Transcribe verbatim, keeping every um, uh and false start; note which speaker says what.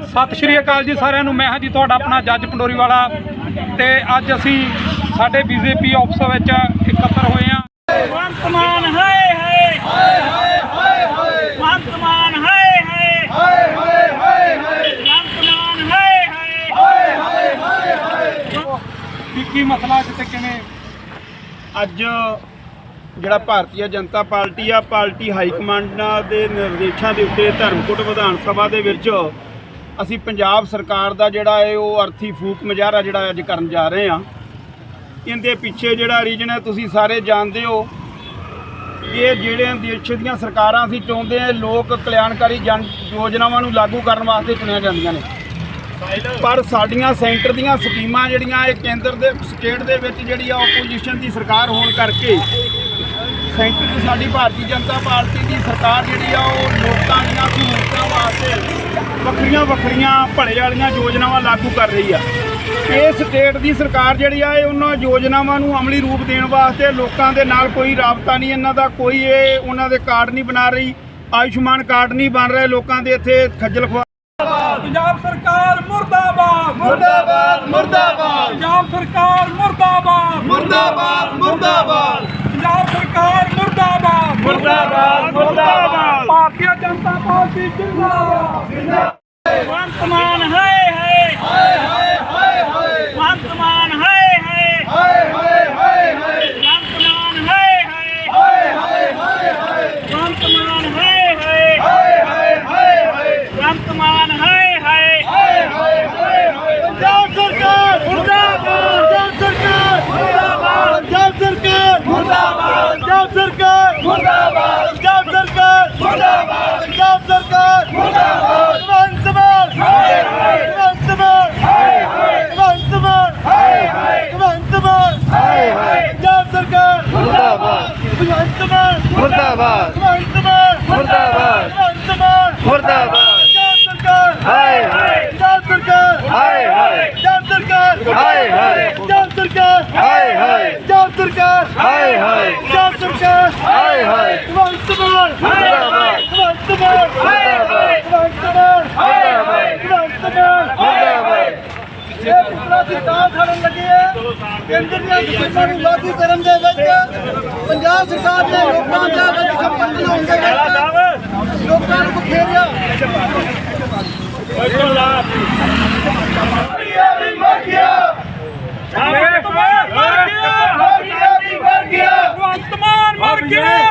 Speaker 1: सत श्री अकाल जी सारिਆਂ ਨੂੰ। मैं हाँ जी तुहाडा अपना जज पंडोरी वाला ते अज असी साडे बीजेपी ऑफिस विच इकट्ठे होए हां।
Speaker 2: भगवंत मान हाय हाय हाय हाय हाय हाय भगवंत मान हाय हाय हाय हाय हाय हाय भगवंत मान हाय हाय हाय हाय हाय
Speaker 1: की की मसला किते किवें
Speaker 3: ਅੱਜ ਜਿਹੜਾ ਭਾਰਤੀ ਜਨਤਾ ਪਾਰਟੀ ਆ ਪਾਰਟੀ ਹਾਈ ਕਮਾਂਡਾਂ ਦੇ ਨਿਰਦੇਸ਼ਾਂ ਦੇ ਉੱਤੇ ਧਰਮਕੋਟ ਵਿਧਾਨ ਸਭਾ ਦੇ ਵਿੱਚ ਅਸੀਂ ਪੰਜਾਬ ਸਰਕਾਰ ਦਾ ਜਿਹੜਾ ਹੈ ਉਹ ਅਰਥੀ ਫੂਕ ਮੁਜ਼ਾਹਰਾ ਜਿਹੜਾ ਅੱਜ ਕਰਨ ਜਾ ਰਹੇ ਹਾਂ। ਇਹਦੇ ਪਿੱਛੇ ਜਿਹੜਾ ਰੀਜਨ ਹੈ ਤੁਸੀਂ ਸਾਰੇ ਜਾਣਦੇ ਹੋ। ਇਹ ਜਿਹੜੇ ਦੇਸ਼ ਦੀਆਂ ਸਰਕਾਰਾਂ ਅਸੀਂ ਚਾਹੁੰਦੇ ਹਾਂ ਲੋਕ ਕਲਿਆਣਕਾਰੀ ਜਨ ਯੋਜਨਾਵਾਂ ਨੂੰ ਲਾਗੂ ਕਰਨ ਵਾਸਤੇ ਚੁਣੀਆਂ ਜਾਂਦੀਆਂ ਨੇ, ਪਰ ਸਾਡੀਆਂ ਸੈਂਟਰ ਦੀਆਂ ਸਕੀਮਾਂ ਜਿਹੜੀਆਂ ਇਹ ਕੇਂਦਰ ਦੇ ਸਟੇਟ ਦੇ ਵਿੱਚ ਜਿਹੜੀ ਆ ਓਪੋਜੀਸ਼ਨ ਦੀ ਸਰਕਾਰ ਹੋਣ ਕਰਕੇ ਸੈਂਟਰ 'ਚ ਸਾਡੀ ਭਾਰਤੀ ਜਨਤਾ ਪਾਰਟੀ ਦੀ ਸਰਕਾਰ ਜਿਹੜੀ ਆ ਉਹ ਲੋਕਾਂ ਦੀਆਂ ਸਹੂਲਤਾਂ ਵਾਸਤੇ ਵੱਖਰੀਆਂ ਵੱਖਰੀਆਂ ਭਲੇ ਵਾਲੀਆਂ ਯੋਜਨਾਵਾਂ ਲਾਗੂ ਕਰ ਰਹੀ ਆ। ਇਹ ਸਟੇਟ ਦੀ ਸਰਕਾਰ ਜਿਹੜੀ ਆ ਇਹ ਉਹਨਾਂ ਯੋਜਨਾਵਾਂ ਨੂੰ ਅਮਲੀ ਰੂਪ ਦੇਣ ਵਾਸਤੇ ਲੋਕਾਂ ਦੇ ਨਾਲ ਕੋਈ ਰਾਬਤਾ ਨਹੀਂ, ਇਹਨਾਂ ਦਾ ਕੋਈ ਇਹ ਉਹਨਾਂ ਦੇ ਕਾਰਡ ਨਹੀਂ ਬਣਾ ਰਹੀ, ਆਯੁਸ਼ਮਾਨ ਕਾਰਡ ਨਹੀਂ ਬਣ ਰਹੇ, ਲੋਕਾਂ ਦੇ ਇੱਥੇ ਖੱਜਲ ਖੁਆਰ।
Speaker 1: पंजाब सरकार मुर्दाबाद
Speaker 3: मुर्दाबाद मुर्दाबाद
Speaker 1: पंजाब सरकार मुर्दाबाद
Speaker 3: मुर्दाबाद मुर्दाबाद
Speaker 1: पंजाब सरकार मुर्दाबाद
Speaker 3: मुर्दाबाद मुर्दाबाद
Speaker 1: भारतीय जनता पार्टी जिंदाबाद।
Speaker 2: भगवंत मान हाय हाय
Speaker 3: हाय हाय हाय हाय
Speaker 2: भगवंत मान हाय हाय
Speaker 3: हाय हाय हाय हाय
Speaker 2: भगवंत मान हाय हाय
Speaker 3: हाय हाय हाय हाय
Speaker 2: भगवंत मान हाय हाय
Speaker 3: हाय हाय हाय हाय
Speaker 2: भगवंत मान हाय हाय
Speaker 3: हाय हाय हाय हाय पंजाब सरकार मुर्दाबाद पंजाब सरकार मुर्दाबाद पंजाब सरकार मुर्दाबाद पंजाब सरकार मुर्दाबाद पंजाब सरकार मुर्दाबाद पंजाब सरकार मुर्दाबाद भगवंत मान हाय हाय भगवंत मान हाय हाय भगवंत मान हाय हाय भगवंत मान हाय हाय पंजाब सरकार मुर्दाबाद भगवंत मान मुर्दाबाद भगवंत मान मुर्दाबाद भगवंत मान मुर्दाबाद पंजाब सरकार हाय हाय पंजाब सरकार हाय हाय पंजाब सरकार हाय हाय पंजाब सरकार हाय हाय पंजाब सरकार हाय हाय पंजाब सरकार हाय हाय भगवंत मान मुर्दाबाद भगवंत मान हाय हाय भगवंत मान हाय हाय भगवंत मान मुर्दाबाद। ਇਹ ਪੁਤਲਾ ਦੀ ਤਾਂ ਖੜਨ ਲੱਗੇ ਹੈ ਕੇਂਦਰ ਦੀਆਂ ਸਕੀਮਾਂ ਨੂੰ ਲਾਗੂ ਕਰਨ ਦੇ ਵਿੱਚ ਪੰਜਾਬ ਸਰਕਾਰ ਨੇ ਲੋਕਾਂ ਦਾ ਵਿੱਚ ਸੰਪਰਕ ਹੋਣ ਦੇ ਵਿੱਚ ਲੋਕਾਂ ਨੂੰ ਖੇਰਿਆ। ਵੀ ਮਰ ਗਿਆ
Speaker 2: भगवंत मान मर गया
Speaker 3: मर गया भी मर गया
Speaker 2: भगवंत मान मर गया